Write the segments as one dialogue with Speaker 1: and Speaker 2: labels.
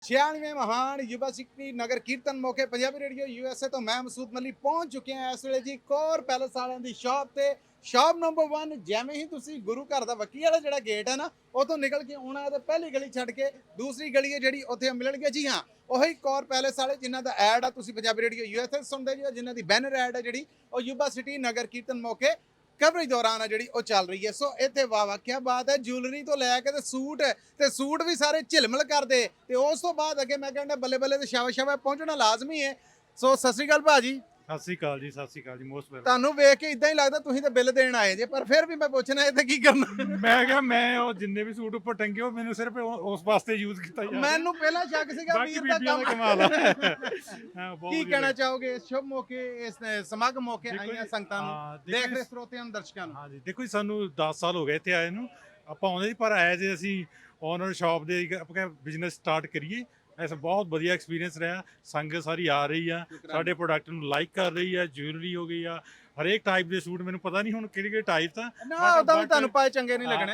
Speaker 1: 96ਵੇਂ ਮਹਾਨ ਯੁਵਾ ਸਿੱਖੀ ਨਗਰ ਕੀਰਤਨ ਮੌਕੇ ਪੰਜਾਬੀ ਰੇਡੀਓ USA ਤੋਂ ਮੈਂ ਮਸੂਦ ਮਲੀ ਪਹੁੰਚ ਚੁੱਕੇ ਹਾਂ ਇਸ ਵੇਲੇ ਜੀ ਕੋਰ ਪੈਲਸ ਵਾਲਿਆਂ ਦੀ ਸ਼ਾਪ ਤੇ। ਸ਼ਾਪ ਨੰਬਰ 1 ਜਿਵੇਂ ਹੀ ਤੁਸੀਂ ਗੁਰੂ ਘਰ ਦਾ ਵੱਕੀ ਵਾਲਾ ਜਿਹੜਾ ਗੇਟ ਹੈ ਨਾ ਉਤੋਂ ਨਿਕਲ ਕੇ ਆਉਣਾ ਤੇ ਪਹਿਲੀ ਗਲੀ ਛੱਡ ਕੇ ਦੂਸਰੀ ਗਲੀ ਹੈ ਜਿਹੜੀ ਉੱਥੇ ਮਿਲਣਗੇ। ਜੀ ਹਾਂ, ਉਹੀ ਕੋਰ ਪੈਲਸ ਵਾਲੇ ਜਿਨ੍ਹਾਂ ਦਾ ਐਡ ਆ ਤੁਸੀਂ ਪੰਜਾਬੀ ਰੇਡੀਓ USA ਸੁਣਦੇ ਜੀ, ਜਿਨ੍ਹਾਂ ਦੀ ਬੈਨਰ ਐਡ ਹੈ ਜਿਹੜੀ ਉਹ ਯੁਵਾ ਸਿਟੀ ਨਗਰ ਕੀਰਤਨ ਮੌਕੇ ਕਵਰੇਜ ਦੌਰਾਨ ਆ ਜਿਹੜੀ ਉਹ ਚੱਲ ਰਹੀ ਹੈ। ਸੋ ਇੱਥੇ ਵਾਹ ਕੀ ਬਾਤ ਹੈ, ਜੁਐਲਰੀ ਤੋਂ ਲੈ ਕੇ ਤੇ ਸੂਟ ਵੀ ਸਾਰੇ ਝਿਲਮਿਲ ਕਰਦੇ ਤੇ ਉਸ ਤੋਂ ਬਾਅਦ ਅੱਗੇ ਮੈਂ ਕਹਿੰਦਾ ਬੱਲੇ ਬੱਲੇ ਤੇ ਸ਼ਾਵਾ ਸ਼ਾਵਾ ਪਹੁੰਚਣਾ ਲਾਜ਼ਮੀ ਹੈ। ਸੋ ਸਤਿ ਸ੍ਰੀ ਅਕਾਲ ਭਾਜੀ।
Speaker 2: ਸਤਿ ਸ਼੍ਰੀ ਅਕਾਲ ਜੀ, ਸਤਿ ਸ਼੍ਰੀ ਅਕਾਲ ਜੀ, ਮੋਸਟ ਵੈਲਕਮ।
Speaker 1: ਤੁਹਾਨੂੰ ਵੇਖ ਕੇ ਇਦਾਂ ਹੀ ਲੱਗਦਾ ਤੁਸੀਂ ਤਾਂ ਬਿੱਲ ਦੇਣ ਆਏ ਜੇ, ਪਰ ਫਿਰ ਵੀ ਮੈਂ ਪੁੱਛਣਾ ਇੱਥੇ ਕੀ ਕਰਨਾ।
Speaker 2: ਮੈਂ ਕਿਹਾ ਮੈਂ ਉਹ ਜਿੰਨੇ ਵੀ ਸੂਟ ਉੱਪਰ ਟੰਗੇ ਉਹ ਮੈਨੂੰ ਸਿਰਫ ਉਸ ਵਾਸਤੇ ਯੂਜ਼ ਕੀਤਾ ਜਾਂਦਾ।
Speaker 1: ਮੈਨੂੰ ਪਹਿਲਾਂ ਸ਼ੱਕ ਸੀਗਾ
Speaker 2: ਬਾਕੀ
Speaker 1: ਵੀਰ ਦਾ
Speaker 2: ਬੀਬੀਆਂ ਦਾ
Speaker 1: ਕੰਮ।
Speaker 2: ਕਮਾਲ ਹੈ। ਹਾਂ, ਬਹੁਤ
Speaker 1: ਕੀ
Speaker 2: ਵਧੀਆ
Speaker 1: ਕਹਿਣਾ
Speaker 2: ਲੱਗਾ।
Speaker 1: ਚਾਹੋਗੇ ਇਸ ਸ਼ੁਭ ਮੌਕੇ, ਇਸ ਸਮਾਗਮ ਮੌਕੇ
Speaker 2: ਦੇਖੋ
Speaker 1: ਆਈਆਂ
Speaker 2: ਜੀ,
Speaker 1: ਸੰਗਤਾਂ ਨੂੰ,
Speaker 2: ਹਾਂ, ਦੇਖੋ
Speaker 1: ਦੇਖ ਰਹੇ
Speaker 2: ਜੀ,
Speaker 1: ਸਰੋਤਿਆਂ ਨੂੰ, ਦਰਸ਼ਕਾਂ ਨੂੰ?
Speaker 2: ਹਾਂਜੀ ਦੇਖੋ ਜੀ, ਸਾਨੂੰ 10 ਸਾਲ ਹੋ ਗਏ ਇੱਥੇ ਆਏ ਨੂੰ। ਆਪਾਂ ਆਉਂਦੇ ਸੀ ਪਰ ਆਏ ਜੇ ਅਸੀਂ ਓਨਰ ਸ਼ਾਪ ਦੇ ਆਪਾਂ ਬਿਜ਼ਨਸ ਸਟਾਰਟ ਕਰੀਏ। ਐਸਾ ਬਹੁਤ ਵਧੀਆ ਐਕਸਪੀਰੀਅੰਸ ਰਿਹਾ। ਸੰਗਤ ਸਾਰੀ ਆ ਰਹੀ ਆ, ਸਾਡੇ ਪ੍ਰੋਡਕਟ ਨੂੰ ਲਾਈਕ ਕਰ ਰਹੀ ਆ। ਜੁਐਲਰੀ ਹੋ ਗਈ ਆ, ਹਰੇਕ ਟਾਈਪ ਦੇ ਸੂਟ, ਮੈਨੂੰ ਪਤਾ ਨਹੀਂ ਹੁਣ ਕਿਹੜੇ ਕਿਹੜੇ ਟਾਈਪ ਤਾਂ
Speaker 1: ਨਾ ਉਦਾਂ ਵੀ ਤੁਹਾਨੂੰ ਪਾਏ ਚੰਗੇ ਨਹੀਂ ਲੱਗਣੇ।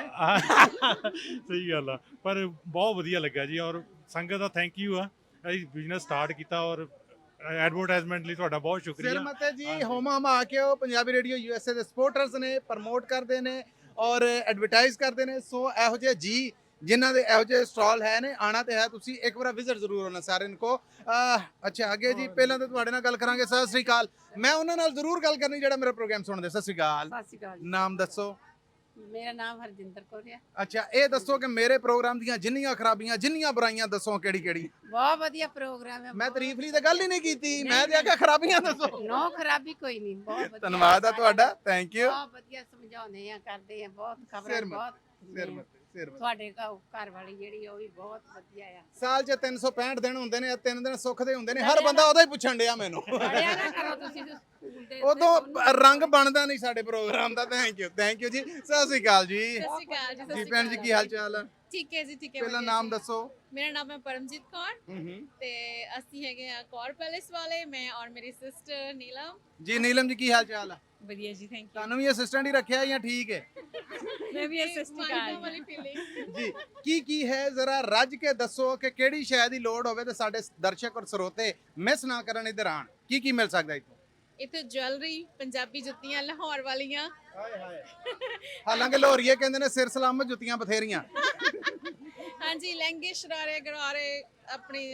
Speaker 2: ਸਹੀ ਗੱਲ ਆ, ਪਰ ਬਹੁਤ ਵਧੀਆ ਲੱਗਾ ਜੀ। ਔਰ ਸੰਗਤ ਦਾ ਥੈਂਕ ਯੂ ਆ, ਅਸੀਂ ਬਿਜ਼ਨਸ ਸਟਾਰਟ ਕੀਤਾ ਔਰ ਐਡਵਰਟਾਈਜ਼ਮੈਂਟ ਲਈ ਤੁਹਾਡਾ ਬਹੁਤ
Speaker 1: ਸਿਰ
Speaker 2: ਸ਼ੁਕਰੀਆ।
Speaker 1: ਮਤੇ ਜੀ ਹੋਮ ਹਮਾ ਕੇ ਉਹ ਪੰਜਾਬੀ ਰੇਡੀਓ USA ਦੇ ਸਪੋਰਟਰਸ ਨੇ, ਪ੍ਰਮੋਟ ਕਰਦੇ ਨੇ ਔਰ ਐਡਵਰਟਾਈਜ਼ ਕਰਦੇ ਨੇ। ਸੋ ਇਹੋ ਜਿਹੇ ਜੀ ਜਿਨ੍ਹਾਂ ਦੇ ਇਹੋ ਜਿਹੇ ਸਟਾਲ ਹੈ ਨੇ, ਆਣਾ ਤੇ ਹੈ, ਤੁਸੀਂ ਇੱਕ ਵਾਰ ਵਿਜ਼ਿਟ ਜ਼ਰੂਰ ਹੋਣਾ ਸਾਰਿਆਂ ਕੋ। ਅੱਛਾ ਅੱਗੇ ਜੀ, ਪਹਿਲਾਂ ਤਾਂ ਤੁਹਾਡੇ ਨਾਲ ਗੱਲ ਕਰਾਂਗੇ। ਸਤਿ ਸ੍ਰੀ ਅਕਾਲ। ਮੈਂ ਉਹਨਾਂ ਨਾਲ ਜ਼ਰੂਰ ਗੱਲ ਕਰਨੀ ਜਿਹੜਾ ਮੇਰਾ ਪ੍ਰੋਗਰਾਮ ਸੁਣਦੇ। ਸਤਿ ਸ੍ਰੀ ਅਕਾਲ।
Speaker 3: ਸਤਿ ਸ਼੍ਰੀ ਅਕਾਲ ਜੀ।
Speaker 1: ਨਾਮ ਦੱਸੋ?
Speaker 3: ਮੇਰਾ ਨਾਮ ਹਰਜਿੰਦਰ ਕੌਰ ਹੈ।
Speaker 1: ਅੱਛਾ, ਇਹ ਦੱਸੋ ਕਿ ਮੇਰੇ ਪ੍ਰੋਗਰਾਮ ਦੀਆਂ ਜਿੰਨੀਆਂ ਖਰਾਬੀਆਂ, ਜਿੰਨੀਆਂ ਬੁਰਾਈਆਂ ਦੱਸੋ ਕਿਹੜੀ ਕਿਹੜੀ?
Speaker 3: ਬਹੁਤ ਵਧੀਆ ਪ੍ਰੋਗਰਾਮ ਹੈ।
Speaker 1: ਮੈਂ ਤਾਰੀਫ ਲਈ ਤਾਂ ਗੱਲ ਹੀ ਨਹੀਂ ਕੀਤੀ, ਮੈਂ ਤੇ ਆਖਿਆ ਖਰਾਬੀਆਂ ਦੱਸੋ।
Speaker 3: ਨੋ ਖਰਾਬੀ ਕੋਈ ਨਹੀਂ, ਬਹੁਤ ਵਧੀਆ।
Speaker 1: ਧੰਨਵਾਦ ਆ ਤੁਹਾਡਾ, ਥੈਂਕ ਯੂ।
Speaker 3: ਬਹੁਤ ਵਧੀਆ ਸਮਝਾਉਂਦੇ ਆ, ਕਰਦੇ ਆ, ਬਹੁਤ ਖਬਰਾਂ
Speaker 1: ਸਿਰ ਮੱਥੇ,
Speaker 3: ਬਹੁਤ
Speaker 1: ਸਿਰ ਮੱਥੇ, ਸਿਰ ਮੱਥੇ।
Speaker 3: ਤੁਹਾਡੇ ਘਰ ਵਾਲੀ ਜਿਹੜੀ ਉਹ ਵੀ ਬਹੁਤ ਵਧੀਆ ਆ।
Speaker 1: ਸਾਲ 'ਚ 365 ਦਿਨ ਹੁੰਦੇ ਨੇ, 3 ਦਿਨ ਸੁੱਖ ਦੇ ਹੁੰਦੇ ਨੇ। ਹਰ ਬੰਦਾ ਉਹਦਾ ਹੀ ਪੁੱਛਣ ਡਿਆ ਮੈਨੂੰ।
Speaker 3: ਪੜਿਆ ਨਾ ਕਰੋ ਤੁਸੀਂ ਸਕੂਲ ਦੇ
Speaker 1: ਉਦੋਂ ਰੰਗ ਬਣਦਾ ਨਹੀਂ ਸਾਡੇ ਪ੍ਰੋਗਰਾਮ ਦਾ। ਥੈਂਕ ਯੂ ਜੀ। ਸਤਿ ਸ੍ਰੀ ਅਕਾਲ ਜੀ।
Speaker 4: ਸਤਿ ਸ਼੍ਰੀ ਅਕਾਲ ਜੀ।
Speaker 1: ਜੀ ਭੈਣ ਜੀ, ਕੀ ਹਾਲ ਚਾਲ ਆ?
Speaker 4: ਠੀਕ ਹੈ ਜੀ, ਠੀਕ ਹੈ।
Speaker 1: ਪਹਿਲਾਂ
Speaker 4: ਵਧੀਆ
Speaker 1: ਨਾਮ
Speaker 4: ਜੀ।
Speaker 1: ਦੱਸੋ।
Speaker 4: ਮੇਰਾ ਨਾਮ ਹੈ ਪਰਮਜੀਤ ਕੌਰ
Speaker 1: ਹੂੰ
Speaker 4: ਤੇ ਅਸੀਂ ਹੈਗੇ ਆ ਕੌਰ ਪੈਲੇਸ ਵਾਲੇ, ਮੈਂ ਔਰ ਮੇਰੀ ਸਿਸਟਰ ਨੀਲਮ।
Speaker 1: ਜੀ ਨੀਲਮ ਜੀ, ਕੀ ਹਾਲ ਚਾਲ ਆ?
Speaker 4: ਵਧੀਆ ਜੀ, ਥੈਂਕ ਯੂ।
Speaker 1: ਤੁਹਾਨੂੰ ਵੀ ਅਸਿਸਟੈਂਟ ਹੀ ਰੱਖਿਆ ਜਾਂ ਠੀਕ ਹੈ?
Speaker 4: ਮੈਂ ਵੀ ਅਸਿਸਟੈਂਟ ਵਾਲੀ ਫੀਲਿੰਗ।
Speaker 1: ਜੀ ਕੀ ਹੈ, ਜ਼ਰਾ ਰੱਜ ਕੇ ਦੱਸੋ ਕਿ ਕਿਹੜੀ ਸ਼ੈ ਦੀ ਲੋੜ ਹੋਵੇ ਤੇ ਸਾਡੇ ਦਰਸ਼ਕ ਔਰ ਸਰੋਤੇ ਮਿਸ ਨਾ ਕਰਨ ਇੱਧਰ ਆਣ। ਕੀ ਮਿਲ ਸਕਦਾ ਇੱਥੋਂ?
Speaker 4: ਇੱਥੇ ਜੁਐਲਰੀ, ਪੰਜਾਬੀ ਜੁੱਤੀਆਂ ਲਾਹੌਰ ਵਾਲੀਆਂ।
Speaker 1: ਹਾਏ ਹਾਏ। ਹਾਲਾਂਕਿ ਲੋਰੀਏ ਕਹਿੰਦੇ ਨੇ ਸਿਰ ਸਲਾਮਤ, ਜੁੱਤੀਆਂ ਬਥੇਰੀਆਂ।
Speaker 4: ਹਾਂਜੀ, ਲਹਿੰਗੇ, ਸ਼ਰਾਰੇ, ਗਰਾਰੇ, ਆਪਣੀ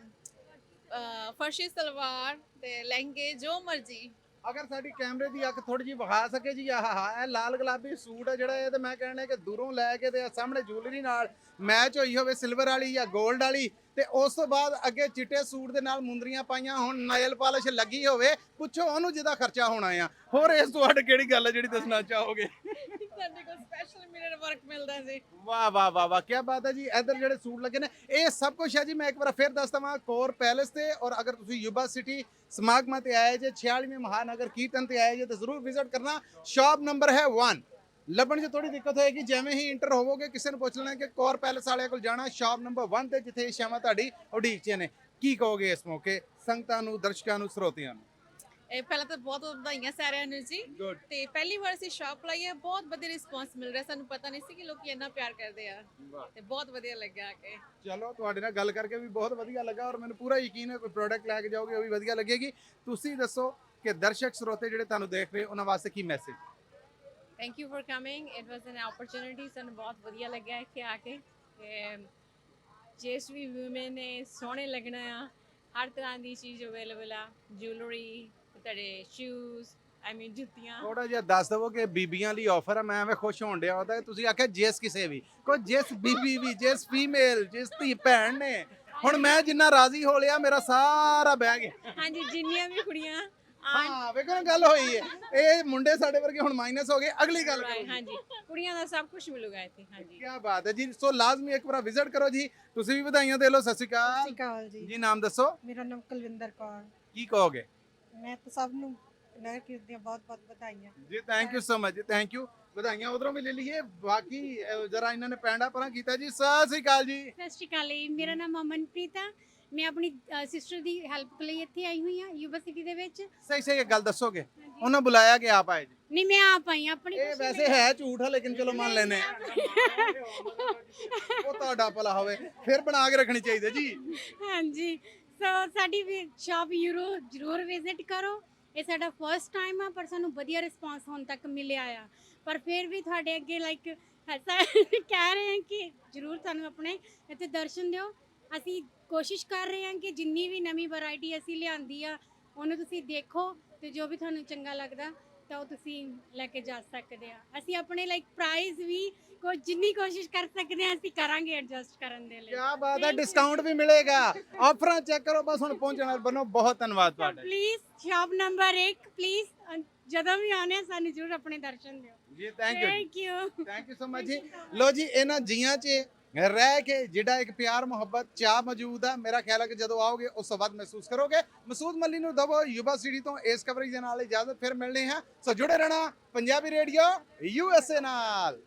Speaker 4: ਫਰਸ਼ੀ ਸਲਵਾਰ ਤੇ ਲਹਿੰਗੇ, ਜੋ ਮਰਜ਼ੀ।
Speaker 1: ਅਗਰ ਸਾਡੀ ਕੈਮਰੇ ਦੀ ਅੱਖ ਥੋੜੀ ਜਿਹੀ ਵਿਖਾ ਸਕੇ ਜੀ, ਆਹ ਇਹ ਲਾਲ ਗੁਲਾਬੀ ਸੂਟ ਹੈ ਜਿਹੜਾ, ਇਹ ਤੇ ਮੈਂ ਕਹਿਣਾ ਕਿ ਦੂਰੋਂ ਲੈ ਕੇ ਤੇ ਸਾਹਮਣੇ ਜੁਐਲਰੀ ਨਾਲ ਮੈਚ ਹੋਈ ਹੋਵੇ, ਸਿਲਵਰ ਵਾਲੀ ਜਾਂ 골ਡ ਵਾਲੀ, ਤੇ ਉਸ ਤੋਂ ਬਾਅਦ ਅੱਗੇ ਚਿੱਟੇ ਸੂਟ ਦੇ ਨਾਲ ਮੁੰਦਰੀਆਂ ਪਾਈਆਂ ਹੋਣ, ਨਾਇਲ ਪਾਲਿਸ਼ ਲੱਗੀ ਹੋਵੇ, ਪੁੱਛੋ ਉਹਨੂੰ ਜਿਹਦਾ ਖਰਚਾ ਹੋਣਾ ਆ। ਹੋਰ ਇਸ ਤੋਂ ਅੱਡ ਕਿਹੜੀ ਗੱਲ ਹੈ ਜਿਹੜੀ ਦੱਸਣਾ ਚਾਹੋਗੇ?
Speaker 4: ਸਾਡੇ ਕੋਲ ਸਪੈਸ਼ਲ ਮਿਰਰ ਵਰਕ ਮਿਲਦਾ ਜੀ।
Speaker 1: ਵਾਹ ਵਾਹ ਵਾਹ ਵਾਹ, ਕੀ ਬਾਤ ਹੈ ਜੀ। ਇੱਧਰ ਜਿਹੜੇ ਸੂਟ ਲੱਗੇ ਨੇ ਇਹ ਸਭ ਕੁਝ ਹੈ ਜੀ। ਮੈਂ ਇੱਕ ਵਾਰ ਫਿਰ ਦੱਸ ਦਵਾਂ, ਕੋਰ ਪੈਲੇਸ ਤੇ, ਔਰ ਅਗਰ ਤੁਸੀਂ ਯੁਵਾ ਸਿਟੀ ਸਮਾਗਮਾਂ ਤੇ ਆਏ ਜੇ, 46ਵੇਂ ਮਹਾਨਗਰ ਕੀਰਤਨ ਤੇ ਆਏ ਜੇ, ਤਾਂ ਜ਼ਰੂਰ ਵਿਜ਼ਿਟ ਕਰਨਾ। ਸ਼ਾਪ ਨੰਬਰ ਹੈ 1। ਲੱਭਣ 'ਚ ਥੋੜੀ ਦਿੱਕਤ ਹੋਏਗੀ, ਜਿਵੇਂ ਹੀ ਇੰਟਰ ਹੋਵੋਗੇ ਕਿਸੇ ਨੂੰ ਪੁੱਛ ਲੈਣਾ ਕਿ ਕੋਰ ਪੈਲੇਸ ਵਾਲਿਆਂ ਕੋਲ ਜਾਣਾ। ਸ਼ਾਪ ਨੰਬਰ 1 ਤੇ, ਜਿੱਥੇ ਇਹ ਸ਼ਾਮਾਂ ਤੁਹਾਡੀ ਉਡੀਕ 'ਚ ਨੇ। ਕੀ ਕਹੋਗੇ ਇਸ ਮੌਕੇ ਸੰਗਤਾਂ ਨੂੰ, ਦਰਸ਼ਕਾਂ ਨੂੰ, ਸਰੋਤਿਆਂ ਨੂੰ?
Speaker 4: ਇਹ ਪਹਿਲਾਂ ਤਾਂ ਬਹੁਤ ਵਧਾਈਆਂ ਸਾਰਿਆਂ ਨੂੰ ਜੀ।
Speaker 1: Good.
Speaker 4: ਤੇ ਪਹਿਲੀ ਵਾਰ ਅਸੀਂ ਸ਼ਾਪ ਲਾਈ ਹੈ, ਬਹੁਤ ਵਧੀਆ ਰਿਸਪੌਂਸ ਮਿਲ ਰਿਹਾ। ਸਾਨੂੰ ਪਤਾ ਨਹੀਂ ਸੀ ਕਿ ਲੋਕੀ ਇੰਨਾ ਪਿਆਰ ਕਰਦੇ ਆ, ਤੇ ਬਹੁਤ ਵਧੀਆ ਲੱਗਿਆ ਆ ਕੇ।
Speaker 1: ਚਲੋ, ਤੁਹਾਡੇ ਨਾਲ ਗੱਲ ਕਰਕੇ ਵੀ ਬਹੁਤ ਵਧੀਆ ਲੱਗਾ, ਔਰ ਮੈਨੂੰ ਪੂਰਾ ਯਕੀਨ ਹੈ ਕੋਈ ਪ੍ਰੋਡਕਟ ਲੈ ਕੇ ਜਾਓਗੇ ਉਹ ਵੀ ਵਧੀਆ ਲੱਗੇਗੀ। ਤੁਸੀਂ ਦੱਸੋ ਕਿ ਦਰਸ਼ਕ ਸਰੋਤੇ ਜਿਹੜੇ ਤੁਹਾਨੂੰ ਦੇਖ ਰਹੇ ਉਹਨਾਂ ਵਾਸਤੇ ਕੀ message?
Speaker 4: Thank you for coming, it was an opportunity. ਸਾਨੂੰ ਬਹੁਤ ਵਧੀਆ ਲੱਗਿਆ ਇੱਥੇ ਆ ਕੇ। ਤੇ ਜਿਸ ਵੀ ਵੂਮਨ ਨੇ ਸੋਹਣੇ ਲੱਗਣਾ ਆ, ਹਰ ਤਰ੍ਹਾਂ ਦੀ ਚੀਜ਼ ਅਵੇਲੇਬਲ ਆ। ਜੁਐਲਰੀ, ਤੁਹਾਡੇ ਸ਼ੂਜ਼, ਜੁੱਤੀਆਂ।
Speaker 1: ਥੋੜਾ ਜਿਹਾ ਦੱਸ ਦਵੋ ਕਿ ਬੀਬੀਆਂ ਲਈ ਆਫਰ ਹੈ। ਮੈਂ ਐਵੇਂ ਖੁਸ਼ ਹੋਣ ਡਿਆ ਉਹਦਾ। ਤੁਸੀਂ ਆਖਿਆ ਜਿਸ ਕਿਸੇ ਵੀ, ਕੋਈ ਜਿਸ ਬੀਬੀ ਵੀ, ਜਿਸ ਫੀਮੇਲ, ਜਿਸ ਧੀ ਭੈਣ ਨੇ। ਹੁਣ ਮੈਂ ਜਿੰਨਾ ਰਾਜ਼ੀ ਹੋ ਲਿਆ, ਮੇਰਾ ਸਾਰਾ ਬਹਿ ਗਿਆ।
Speaker 4: ਹਾਂਜੀ, ਜਿੰਨੀਆਂ ਵੀ ਕੁੜੀਆਂ
Speaker 1: ਹਾਂ, ਵੇਖੋ ਨਾ, ਗੱਲ ਹੋਈ ਹੈ। ਇਹ ਮੁੰਡੇ ਸਾਡੇ ਵਰਗੇ ਹੁਣ ਮਾਈਨਸ ਹੋ ਗਏ। ਅਗਲੀ ਗੱਲ ਕਰੋ।
Speaker 4: ਹਾਂਜੀ, ਕੁੜੀਆਂ ਦਾ ਸਭ ਕੁਝ ਮਿਲੂਗਾ ਇੱਥੇ। ਹਾਂਜੀ,
Speaker 1: ਕੀ ਬਾਤ ਹੈ ਜੀ। ਸੋ ਲਾਜ਼ਮੀ ਇੱਕ ਵਾਰ ਵਿਜ਼ਿਟ ਕਰੋ ਜੀ। ਤੁਸੀਂ ਵੀ ਵਧਾਈਆਂ ਦੇ ਲਓ। ਸਤਿ ਸ਼੍ਰੀ
Speaker 5: ਸਤਿ ਸ਼੍ਰੀ
Speaker 1: ਅਕਾਲ
Speaker 5: ਅਕਾਲ ਜੀ।
Speaker 1: ਜੀ। ਨਾਮ ਦੱਸੋ।
Speaker 5: ਮੇਰਾ ਨਾਮ ਕੁਲਵਿੰਦਰ ਕੌਰ।
Speaker 1: ਕੀ ਕਹੋਗੇ?
Speaker 5: ਮੈਂ ਤਾਂ ਸਭ ਨੂੰ ਨਗਰ ਕੀਰਤਨ ਦੀਆਂ ਬਹੁਤ ਬਹੁਤ ਵਧਾਈਆਂ।
Speaker 1: ਜੀ ਥੈਂਕ ਯੂ ਸੋ ਮਚ ਜੀ, ਥੈਂਕ ਯੂ। ਵਧਾਈਆਂ ਉਧਰੋਂ ਵੀ ਲੈ ਲਈਏ। ਬਾਕੀ ਜਰਾ ਇਹਨਾਂ ਨੇ ਪੈਂਡਾ ਪਰਾਂ ਕੀਤਾ ਜੀ। ਸਤਿ ਸ੍ਰੀ ਅਕਾਲ ਜੀ।
Speaker 5: ਸਤਿ ਸ਼੍ਰੀ ਅਕਾਲ ਜੀ, ਮੇਰਾ ਨਾਮ ਅਮਨਪ੍ਰੀਤ ਆ। ਮੈਂ ਆਪਣੀ ਸਿਸਟਰ ਦੀ ਹੈਲਪ ਲਈ ਇੱਥੇ ਆਈ ਹੋਈ ਹਾਂ ਯੂਨੀਵਰਸਿਟੀ ਦੇ ਵਿੱਚ।
Speaker 1: ਸਹੀ ਸਹੀ ਗੱਲ ਦੱਸੋਗੇ, ਉਹਨਾਂ ਬੁਲਾਇਆ ਕਿ ਆਪ ਆਏ ਜੀ?
Speaker 5: ਨਹੀਂ, ਮੈਂ ਆਪ ਆਈ ਹਾਂ ਆਪਣੀ
Speaker 1: ਇਹ
Speaker 5: ਖੁਸ਼ੀ
Speaker 1: ਵੈਸੇ
Speaker 5: ਲਈ।
Speaker 1: ਹੈ ਝੂਠ ਆ, ਲੇਕਿਨ ਚਲੋ ਮੰਨ ਲੈਨੇ ਆ। ਉਹ ਤੁਹਾਡਾ ਭਲਾ ਹੋਵੇ, ਫਿਰ ਬਣਾ ਕੇ ਰੱਖਣੀ ਚਾਹੀਦੀ ਹੈ ਜੀ।
Speaker 5: ਹਾਂਜੀ, ਸੋ ਸਾਡੀ ਸ਼ਾਪ ਯੂਰੋ ਜ਼ਰੂਰ ਵਿਜ਼ਿਟ ਕਰੋ। ਇਹ ਸਾਡਾ ਫਰਸਟ ਟਾਈਮ ਆ, ਪਰ ਸਾਨੂੰ ਵਧੀਆ ਰਿਸਪਾਂਸ ਹੁਣ ਤੱਕ ਮਿਲਿਆ ਆ। ਪਰ ਫਿਰ ਵੀ ਤੁਹਾਡੇ ਅੱਗੇ ਲਾਈਕ ਐਸਾ ਕਹਿ ਰਹੇ ਹਾਂ ਕਿ ਜ਼ਰੂਰ ਸਾਨੂੰ ਆਪਣੇ ਇੱਥੇ ਦਰਸ਼ਨ ਦਿਓ। ਅਸੀਂ ਕੋਸ਼ਿਸ਼ ਕਰ ਰਹੇ ਹਾਂ ਕਿ ਜਿੰਨੀ ਵੀ ਨਵੀਂ ਵੈਰਾਈਟੀ ਅਸੀਂ ਲਿਆਂਦੀ ਆ ਉਹਨੂੰ ਤੁਸੀਂ ਦੇਖੋ, ਤੇ ਜੋ ਵੀ ਤੁਹਾਨੂੰ ਚੰਗਾ ਲੱਗਦਾ ਤਾਂ ਉਹ ਤੁਸੀਂ ਲੈ ਕੇ ਜਾ ਸਕਦੇ ਆ। ਅਸੀਂ ਆਪਣੇ ਲਾਈਕ ਪ੍ਰਾਈਸ ਵੀ ਜਿੰਨੀ ਕੋਸ਼ਿਸ਼ ਕਰ ਸਕਦੇ ਆ ਅਸੀਂ ਕਰਾਂਗੇ ਐਡਜਸਟ ਕਰਨ ਦੇ ਲਈ।
Speaker 1: ਕੀ ਬਾਤ ਹੈ,
Speaker 5: Thank you.
Speaker 1: ਡਿਸਕਾਊਂਟ ਵੀ ਮਿਲੇਗਾ। ਆਫਰਾਂ ਚੈੱਕ ਕਰੋ ਬਸ। ਹੁਣ ਪਹੁੰਚਣਾ ਬਣੋ। ਬਹੁਤ ਧੰਨਵਾਦ ਤੁਹਾਡਾ
Speaker 5: ਪਲੀਜ਼ ਸ਼ਾਪ ਨੰਬਰ 1 ਪਲੀਜ਼ ਜਦੋਂ ਵੀ ਆਉਣੇ ਆ ਸਾਨੂੰ ਜ਼ਰੂਰ ਆਪਣੇ ਦਰਸ਼ਨ ਦਿਓ।
Speaker 1: ਜੀ। Thank you
Speaker 5: thank you
Speaker 1: so much ਜੀ। ਲੋ ਜੀ, ਇਹਨਾਂ ਜੀਆਂ 'ਚ ਰਹਿ ਕੇ ਜਿਹੜਾ ਇੱਕ ਪਿਆਰ ਮੁਹੱਬਤ ਚਾਹ ਮੌਜੂਦ ਆ, ਮੇਰਾ ਖਿਆਲ ਹੈ ਕਿ ਜਦੋਂ ਆਓਗੇ ਉਸ ਤੋਂ ਬਾਅਦ ਮਹਿਸੂਸ ਕਰੋਗੇ। ਮਸੂਦ ਮੱਲੀ ਨੂੰ ਦਵੋ ਯੁਵਾ ਸਿਟੀ ਤੋਂ ਇਸ ਕਵਰੇਜ ਦੇ ਨਾਲ ਇਜਾਜ਼ਤ। ਫਿਰ ਮਿਲਣੇ ਹਾਂ, ਸੋ ਜੁੜੇ ਰਹਿਣਾ ਪੰਜਾਬੀ ਰੇਡੀਓ USA ਨਾਲ।